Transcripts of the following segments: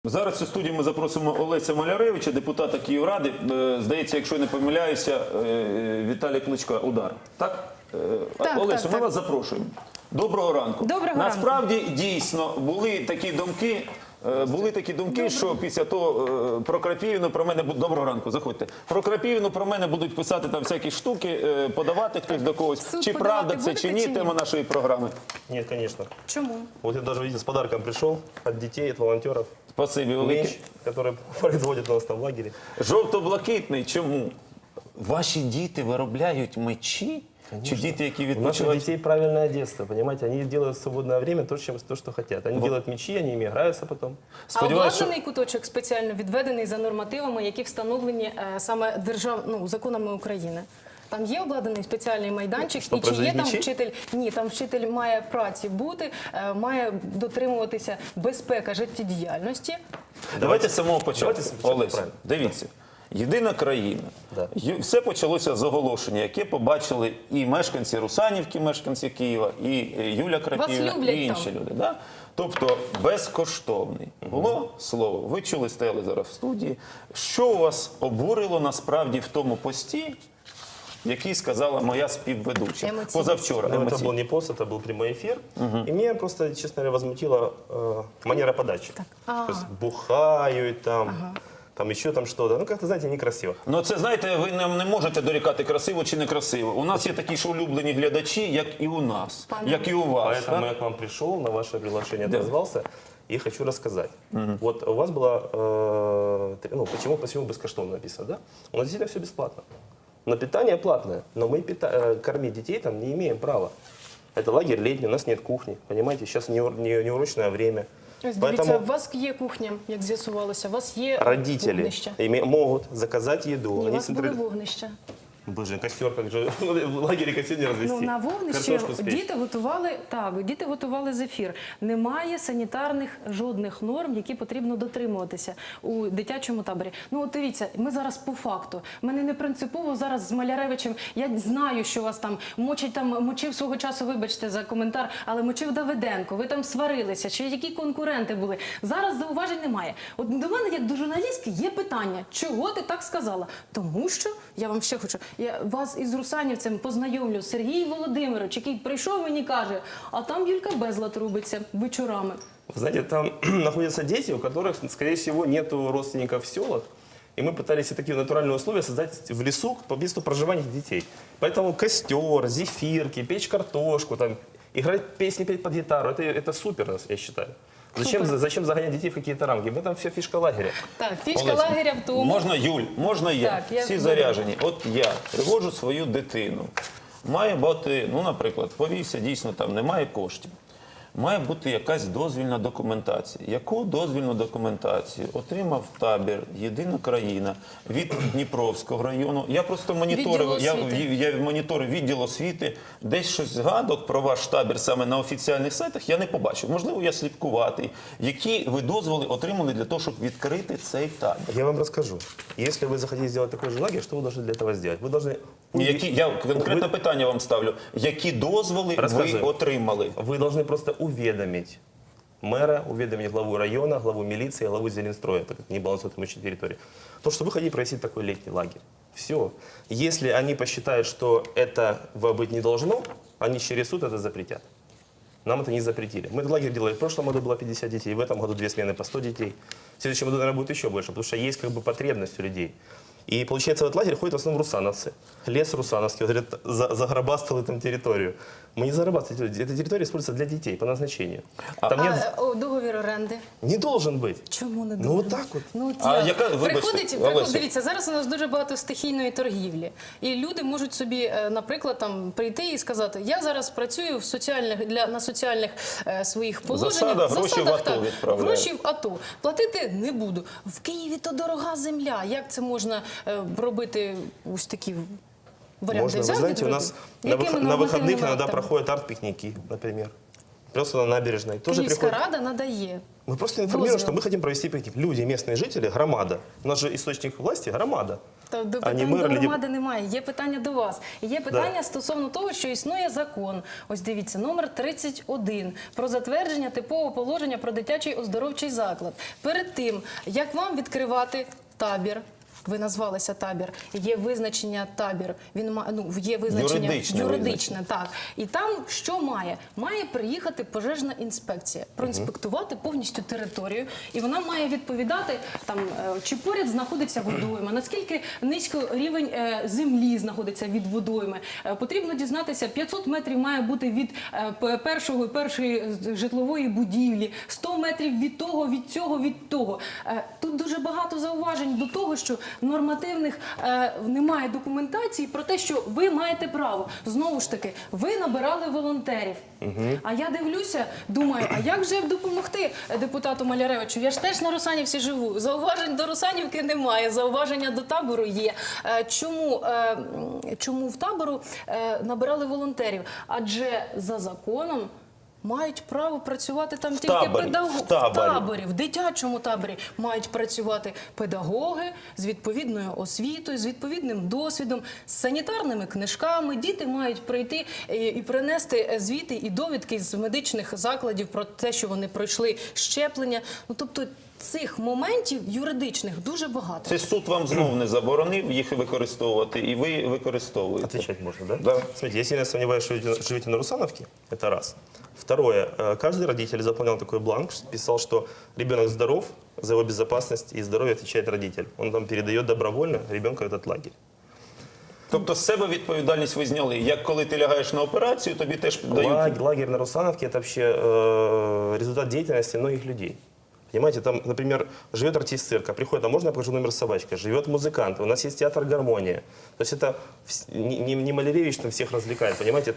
Зараз у студію ми запросимо Олеся Маляревича, депутата Київради. Здається, якщо я не помиляюся, Віталій Кличко «Удар». Так? Олесю, ми вас запрошуємо. Доброго ранку. Доброго Насправді, дійсно, були такі думки, що після того про Крапивіну про мене будуть... Доброго ранку, заходьте. Про Крапивіну про мене будуть писати там всякі штуки, подавати хтось до когось. Чи правда це, чи ні, тема нашої програми? Нет, конечно. Чому? Вот я даже, видите, с подарком пришел от детей, от волонтеров. Спасибі велике. Меч, который производит у нас там в лагере. Жовто-блакитний. Чому? Ваші діти виробляють мечі? Чи діти, які У наших відпочивають? детей правильное детство, понимаете? Они делают в свободное время то, что хотят. Они делают мечи, они ими играются потом. А обладнаний куточок спеціально відведений за нормативами, які встановлені саме законами України? Там є обладнаний спеціальний майданчик, Що, і чи є там мечі? вчитель? Ні, там вчитель має праці бути, має дотримуватися безпека життєдіяльності. Давайте з самого початку. Давайте з початку, Олесь, правильно. дивіться. Єдина країна. Да. Все почалося з оголошення, яке побачили і мешканці Русанівки, мешканці Києва, і Юля Крапивіна, люблять і інші там. люди. Да? Тобто безкоштовний. Було слово. Ви чули, стояли зараз в студії. Що у вас обурило насправді в тому пості, який сказала моя співведуча Емоційно. позавчора? Но это Емоційно. был не пост, это был прямой эфир. И меня просто, честно говоря, возмутила манера подачи. То есть бухают там еще там что-то. Ну, как-то, знаете, некрасиво. Ну, це, знаєте, ви нам не можете дорікати, красиво чи некрасиво. У нас є такі ж улюблені глядачі, як і у нас, як і у вас. Поэтому так? я к вам пришел, на ваше приглашение отозвался и хочу рассказать. Вот у вас было, почему бескоштовно написано, да? У нас действительно все бесплатно. Но питание платное, но мы кормить детей там не имеем права. Это лагерь летний, у нас нет кухни, понимаете, сейчас неурочное время. Ось дивіться, у вас є кухня, як з'ясувалося, у вас є Родители вогнище. могут заказать еду. Ні, у Они вас були централи- вогнища. Боже, костер, как же в лагере костер не развести. Ну, на вогнищі Картошку спечь. діти готували зефір. Немає санітарних жодних норм, які потрібно дотримуватися у дитячому таборі. Ну, от дивіться, ми зараз по факту. Мене не принципово зараз з Маляревичем. Я знаю, що вас там мочив свого часу, вибачте за коментар, але мочив Давиденко. Ви там сварилися, чи які конкуренти були. Зараз зауважень немає. От до мене, як до журналістки, є питання, чого ти так сказала? Тому що, я вам ще хочу, я вас із русанівцем познайомлю, Сергій Володимирович, який прийшов мені каже, а там Юлька безлад робиться вечорами. Знаете, там находятся дети, у которых, скорее всего, нету родственников в селах. И мы пытались такие натуральные условия создать в лесу по месту проживания детей. Поэтому костер, зефирки, печь картошку, там, играть песни, петь под гитару, это супер, я считаю. Зачем загонять детей в какие-то рамки? В этом вся фишка лагеря. Так, фішка Олесь, лагеря в тому. Можна Юль, можна я. Так, я Всі добре. заряжені. От я приводжу свою дитину. Має бути, ну, наприклад, повівся, дійсно, там немає коштів. Має бути якась дозвільна документація. Яку дозвільну документацію отримав табір «Єдина країна» від Дніпровського району? Я просто моніторив, я моніторив відділ освіти, десь щось згадок про ваш табір саме на офіціальних сайтах я не побачив. Можливо, я слідкуватий. Які ви дозволи отримали для того, щоб відкрити цей табір? Я вам расскажу. Если вы захотите сделать такой же лагерь, что вы должны для этого сделать? Вы должны... Я конкретне питання вам ставлю. Які дозволи ви Розказую. отримали? Вы должны просто уведомить мэра, уведомить главу района, главу милиции, главу Зеленстроя, так как не балансирует имущественной территории. То, что вы хотите провести такой летний лагерь. Все. Если они посчитают, что этого быть не должно, они через суд это запретят. Нам это не запретили. Мы этот лагерь делали. В прошлом году было 50 детей, в этом году 2 смены по 100 детей. В следующем году, наверное, будет еще больше, потому что есть как бы потребность у людей. И получается, в этот лагерь ходят в основном русановцы. Лес русановский, говорят, загробастали там территорию. Мы не зарабатываем. Эта территория используется для детей по назначению. Там нет... Договір оренди? Не должен быть. Чому не Ну договір? вот так вот. Ну, от А я- яка- вибачте, приходить, Олеся. дивіться, зараз у нас дуже багато стихійної торгівлі. І люди можуть собі, наприклад, там прийти і сказати, я зараз працюю на соціальних своїх положеннях. Засадах, гроші в АТО так, відправляю. гроші в АТО. Платити не буду. В Києві то дорога земля. Як це можна робити ось такі варіанти? Можно, вы взяти, знаете, у зробити? нас Якими на выходных нормативними иногда актами? проходят арт-пикники, например. просто на набережной. Тоже Київська приходят. рада надає. Мы просто информируем, Дозвел. что мы хотим провести пикник. Люди, местные жители, громада. У нас же источник власти – громада. Та до А не питань мер до или громади немає. Є питання до вас. І є питання стосовно того, що існує закон. Ось дивіться, номер 31 про затвердження типового положення про дитячий оздоровчий заклад. Перед тим, як вам відкривати табір, ви назвалися табір, є визначення табір, є визначення Юридичне так. І там що має? Має приїхати пожежна інспекція, проінспектувати повністю територію, і вона має відповідати там, чи поряд знаходиться водойма, наскільки низько рівень землі знаходиться від водойми. Потрібно дізнатися, 500 метрів має бути від першої житлової будівлі, 100 метрів від того, від цього, від того. Тут дуже багато зауважень до того, що нормативних немає документації про те, що ви маєте право. Знову ж таки, ви набирали волонтерів. А я дивлюся, думаю, а як же допомогти депутату Маляревичу? Я ж теж на Русанівці живу. Зауважень до Русанівки немає, зауваження до табору є. Чому в табору набирали волонтерів? Адже за законом мають право працювати там тільки педагоги. В таборі, в дитячому таборі мають працювати педагоги з відповідною освітою, з відповідним досвідом, з санітарними книжками. Діти мають прийти і принести звіти і довідки з медичних закладів про те, що вони пройшли щеплення. Ну, тобто цих моментів юридичних дуже багато. Це суд вам знов не заборонив їх використовувати, і ви використовуєте. Отвечать можно, да? Да. Смотрите, я сильно сомневаюсь, что живете на Русановке, это раз. Второе, каждый родитель заполнял такой бланк, писал, что ребенок здоров, за его безопасность и здоровье отвечает родитель. Он там передает добровольно ребенка в этот лагерь. Тобто з себе відповідальність ви зняли. Як коли ти лягаєш на операцію, тобі теж дають... Лагерь на Русановке – это вообще результат деятельности многих людей. Понимаете, там, например, живет артист цирка, приходит, а можно я покажу номер с собачкой? Живет музыкант, у нас есть театр «Гармония». То есть это не Маляревич там всех развлекает, понимаете,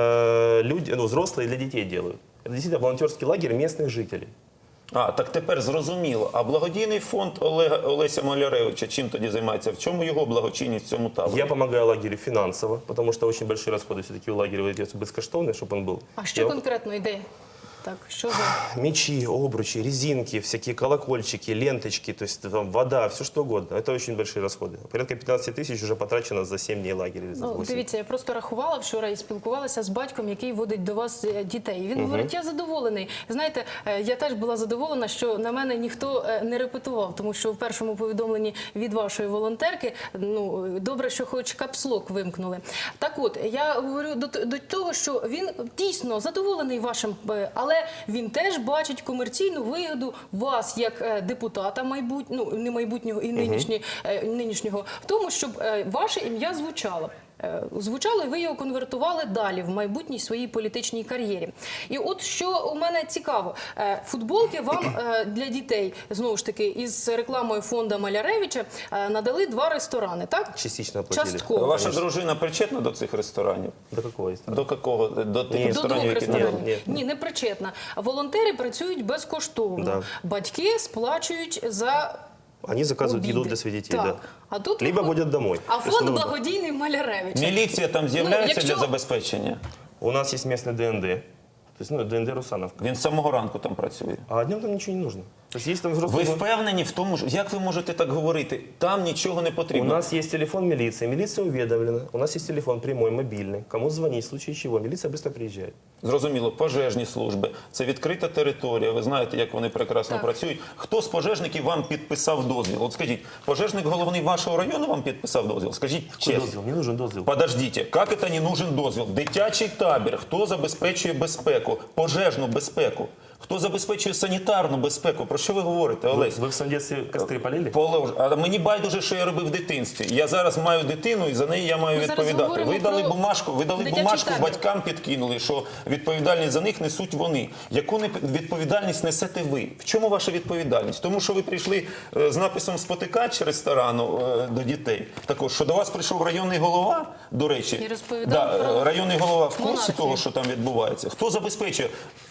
это люди, взрослые для детей делают. Это действительно волонтерский лагерь местных жителей. Так тепер зрозуміло. А благодійний фонд Олеся Маляревича чим тоді займається? В чому його благочинність в цьому таборі? Я помогаю лагерю финансово, потому что очень большие расходы все-таки у лагеря выдаются бескоштовные, чтобы он был. А що конкретно йде? Так, що за... Мечи, обручи, резинки, всякие колокольчики, ленточки, то есть там, вода, все что угодно. Это очень большие расходы. Порядка 15 тысяч уже потрачено за 7 дней лагеря. Или за 8. Дивіться, я просто рахувала вчора і спілкувалася з батьком, який водить до вас дітей. Він говорить, я задоволений. Знаєте, я теж була задоволена, що на мене ніхто не репетував, тому що в першому повідомленні від вашої волонтерки, добре, що хоч капслок вимкнули. Так от, я говорю до того, що він дійсно задоволений вашим, але він теж бачить комерційну вигоду вас, як депутата не майбутнього і нинішнього, в тому, щоб ваше ім'я звучало, і ви його конвертували далі в майбутній своїй політичній кар'єрі. І от що у мене цікаво, футболки вам для дітей, знову ж таки, із рекламою фонду Маляревича надали 2 ресторани, так? Частично оплатили. Частково. Ваша дружина причетна до цих ресторанів? До какого есть? До якого? До тих Ні. ресторанів, До 2 які ресторанів. Ні. Ні, не причетна. Волонтери працюють безкоштовно. Да. Батьки сплачують за... Они заказывают обіди. еду для своих детей, Так. да. А тут Либо водят домой. А То есть, фонд ну, благодійний Маляревича. Міліція там з'являється якщо- для забезпечення? У нас есть местный ДНД. То есть, ДНД Русановка. Він з самого ранку там працює. А днем там ничего не нужно. То есть есть там Ви взрослые... впевнені в тому, як ви можете так говорити? Там нічого не У потрібно. нас есть телефон милиции. Милиция уведомлена. У нас есть телефон прямой, мобильный. Кому звонить, в случае чего. Милиция быстро приезжает. Зрозуміло, пожежні служби. Це відкрита територія. Ви знаєте, як вони прекрасно Так. працюють. Хто з пожежників вам підписав дозвіл? От скажіть, пожежник головний вашого району вам підписав дозвіл? Скажіть Какой чесно. дозвел? Не нужен дозвел. Подождите, как это не нужен дозвіл? Дитячий табір. Хто забезпечує безпеку? Пожежну безпеку? Хто забезпечує санітарну безпеку? Про що ви говорите, Олесь? Вы в своем детстве костры полили? А мені байдуже, що я робив в дитинстві. Я зараз маю дитину, і за неї я маю Ми зараз відповідати. говоримо Ви дали про бумажку, дитячий табір. батькам підкинули, що відповідальність за них несуть вони. Яку відповідальність несете ви? В чому ваша відповідальність? Тому що ви прийшли з написом «Спотикач» ресторану до дітей. Також, що до вас прийшов районний голова, до речі. І розповідав про районний голова в курсі монархію. того, що там відбувається. Хто забезпечує?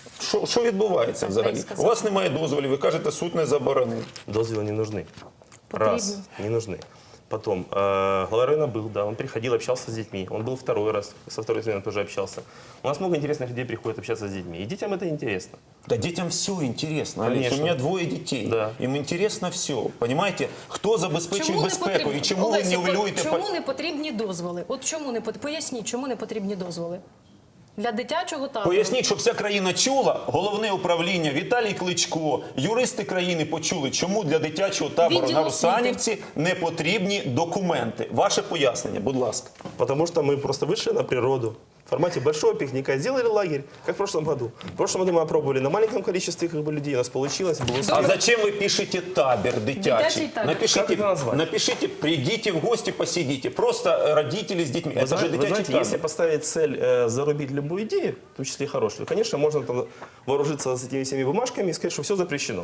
Що відбувається взагалі? сказав. У вас немає дозволів, ви кажете, суд не заборонив. Дозвел не нужны. Потрібно. Раз, не нужны. Потом, глава района был, да, он приходил, общался с детьми. Он был второй раз, со второй смены тоже общался. У нас много интересных людей приходит общаться с детьми. И детям это интересно. Да детям все интересно, Олесь. Конечно. У меня двое детей. Да. Им интересно все. Понимаете, хто забезпечує безпеку потрібно? і чому ви Олесі, нівелюєте... чому не потрібні дозволи? От чому не поясніть, чому не потрібні дозволи? Для дитячого табору. Поясніть, щоб вся країна чула, головне управління, Віталій Кличко, юристи країни почули, чому для дитячого табору Відділ на Русанівці не потрібні документи. Ваше пояснення, будь ласка. Потому что мы просто вышли на природу. В формате большого пикника сделали лагерь, как в прошлом году. В прошлом году мы опробовали на маленьком количестве людей, у нас получилось. Было А зачем вы пишете табір Дитячий дитячий? табір. Как это назвать? Напишите, придите в гости, посидите. Просто родители с детьми. Вы Это же знаете, дитячий табір. если поставить цель зарубить любую идею, в том числе и хорошую, конечно, можно там вооружиться с этими всеми бумажками и сказать, что все запрещено.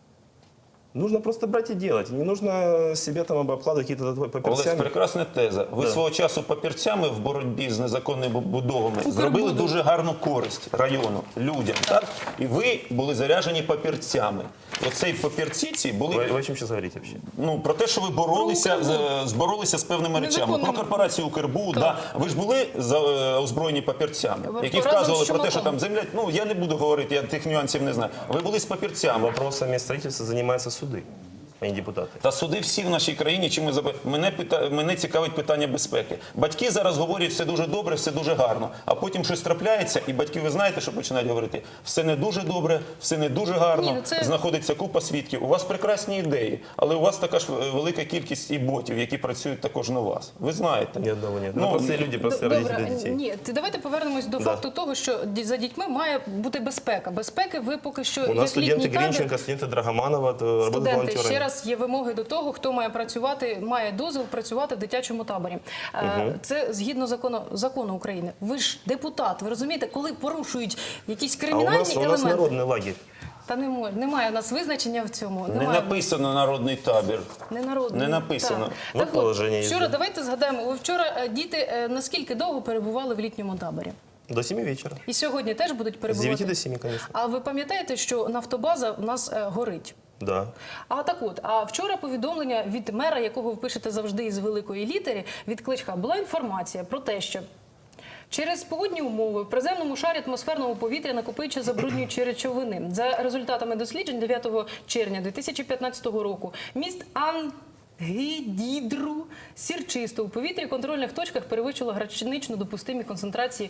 Нужно просто брать и делать. Не нужно себе там обкладывать какие-то Олесь, папірцями. прекрасна теза. Ви Да. свого часу папірцями в боротьбі з незаконними будовами зробили дуже гарну користь району, людям. Так? І ви були заряжені папірцями. Оцей папірці ці були Вы о чем сейчас говорите вообще? про те, що ви боролися з певними речами. Про Незаконними. корпорацію Укрбуд. Да. Ви ж були озброєні папірцями, які Разом вказували з про те, що Чумаком. там земля... Ну, я не буду говорити, я тих нюансів не знаю. Ви були з папірцями. Вопросами строительства занимаются суды, а не депутаты. Та суди всі в нашій країні, чим мене цікавить питання безпеки. Батьки зараз говорять, все дуже добре, все дуже гарно, а потім щось трапляється, і батьки, ви знаєте, що починають говорити, все не дуже добре, все не дуже гарно, Ні, ну це- знаходиться купа свідків. У вас прекрасні ідеї, але у вас така ж велика кількість і ботів, які працюють також на вас. Ви знаєте. Ни одного нет. Ну, Простые люди, простые родители детей. Ні, давайте повернемось до факту того, що за дітьми має бути безпека. Безпеки ви поки що У нас як літній студенты табір, Гринченко, студенты Драгоманова работают студенти, волонтерами. ще раз є вимоги до того, хто має працювати, має дозвіл працювати в дитячому таборі. Це згідно закону України. Ви ж депутат, ви розумієте, коли порушують якісь А кримінальні у нас елементи. народный лагерь. Та немає у нас визначення в цьому. Не Немає. написано народний табір. Не народний. Не написано. Так. Вот положення є. Вчора, давайте згадаємо, ви вчора діти наскільки довго перебували в літньому таборі? До 7 вечера. І сьогодні теж будуть С перебувати? 9 до 7, конечно. А ви пам'ятаєте, що нафтобаза у нас горить? Да. А вчора повідомлення від мера, якого ви пишете завжди із великої літери, від Кличка, була інформація про те, що через погодні умови в приземному шарі атмосферного повітря накопичує забруднюючі речовини. За результатами досліджень 9 червня 2015 року міст Ангідідру сірчисто у повітрі в контрольних точках перевищило гранично допустимі концентрації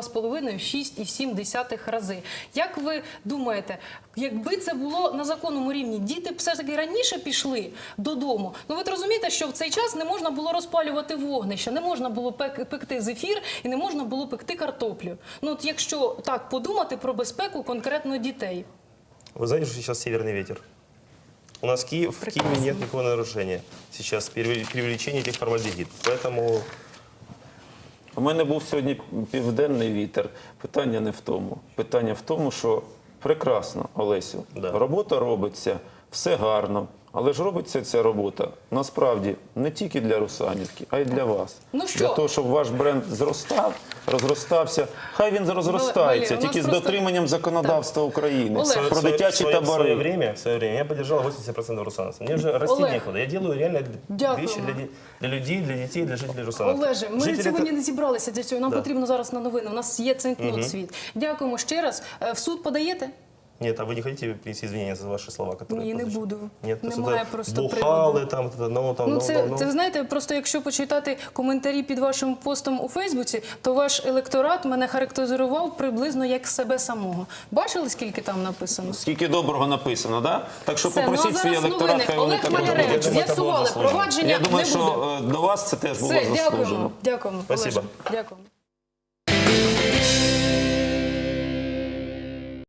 2,5-6,7 рази. Як ви думаєте, якби це було на законному рівні, діти б все ж таки раніше пішли додому? Ну ви ж розумієте, що в цей час не можна було розпалювати вогнище, не можна було пекти зефір і не можна було пекти картоплю. Ну от якщо так подумати про безпеку конкретно дітей. Вы знаете, что сейчас северный ветер? У нас в Киеве нет никакого нарушения. Сейчас преувеличение этих формальдегид. Поэтому У мене був сьогодні південний вітер. Питання не в тому. Питання в тому, що прекрасно, Олесю, Да. робота робиться, все гарно. Але ж робиться ця робота насправді не тільки для Русанівки, а й для вас. Ну що? Для того, щоб ваш бренд зростав, розростався. Хай він розростається, Валерій, у нас тільки з просто- дотриманням законодавства України. Олег. Про дитячі в табори. свое время я поддержал 80% русановцев. Мне же расти Олег. некуда. Я делаю реально Дякую вещи вам. для людей, для детей, для жителей Русановки. Олеже, ми Жители сьогодні это- не зібралися для цього. Нам Да. потрібно зараз на новини. У нас є цинкнот світ. Дякуємо ще раз. В суд подаєте? Нет, а вы не хотите принести извинения за ваши слова, которые Ні, я не прозвучал? буду. Нет, то есть Немає это просто бухалы, приводу. там, Ну, це ви знаєте, просто якщо почитати коментарі під вашим постом у Фейсбуці, то ваш електорат мене характеризував приблизно як себе самого. Бачили, скільки там написано? Скільки доброго написано, да? Так що Все, ну а попросіть свій зараз електорат, новини. хай вони Олег так Маляревич, роблять. Я думаю, це було з'ясували, заслужено. провадження Я думаю, не буде. що до вас це теж було Все, заслужено. дякуємо. Дякуємо, Спасибо. Олеже. Дякуємо.